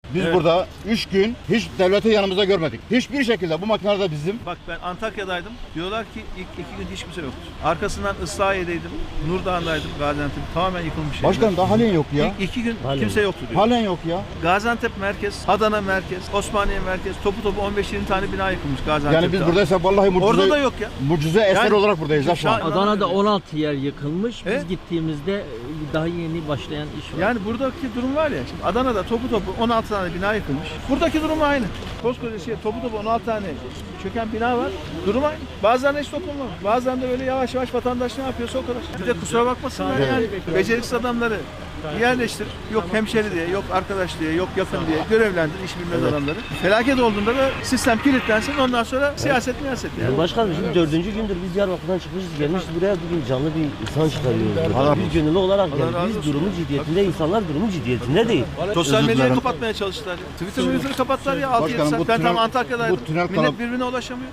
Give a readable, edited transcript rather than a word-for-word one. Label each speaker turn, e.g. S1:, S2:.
S1: Biz
S2: Evet.
S1: burada 3 gün hiç devleti yanımızda görmedik. Hiçbir şekilde bu makineler de bizim.
S2: Bak ben Antakya'daydım. Diyorlar ki ilk 2 gün hiç kimse yoktu. Arkasından Islahiye'deydim. Nurdağ'daydım. Gaziantep tamamen yıkılmış.
S1: Başkanım daha halen yok ya.
S2: İlk 2 gün
S3: Halen
S2: kimse
S3: yok.
S2: yoktu diyor.
S1: Halen yok ya.
S2: Gaziantep merkez, Adana merkez, Osmaniye merkez, topu 15-20 tane bina yıkılmış Gaziantep'te.
S1: Yani biz buradaysak vallahi
S2: Orada da yok ya.
S1: mucize eser
S2: Yani-
S1: olarak buradayız ha şu an.
S3: Adana'da 16 yer yıkılmış. Biz
S2: Evet.
S3: gittiğimizde daha yeni başlayan iş var.
S2: Yani buradaki durum var ya, şimdi Adana'da topu 16 tane bina yıkılmış. Buradaki durum aynı. Koskoca topu 16 tane çöken bina var. Durum aynı. Bazılarında hiç dokunmamış. Bazılarında böyle yavaş yavaş vatandaş ne yapıyorsa o kadar. Bir de kusura bakmasınlar yani. Beceriksiz adamları yerleştir. Yok hemşeri diye, yok arkadaş diye, yok yakın diye görevlendir iş bilmez adamları. Felaket olduğunda da sistem kilitlensin. Ondan sonra siyaset miyaset yani.
S3: Yani başkanım şimdi 4. gündür biz Diyarbakır'dan çıkmışız gelmişiz buraya bugün canlı bir insan çıkarıyoruz. burada. Biz gönüllü olarak
S2: Allah razı
S3: yani biz
S2: olsun.
S3: durumun ciddiyetinde, insanlar durumun ciddiyetinde değil.
S2: Sosyal
S1: Özür
S2: medyayı
S1: dilerim.
S2: kapatmaya çalıştılar. Twitter'ı kapattılar ya 6-7
S1: Başkanım,
S2: saat.
S1: bu
S2: Ben tam
S1: tünel-
S2: Antakya'daydım.
S1: bu tünel
S2: Millet
S1: kanal-
S2: birbirine ulaşamıyor.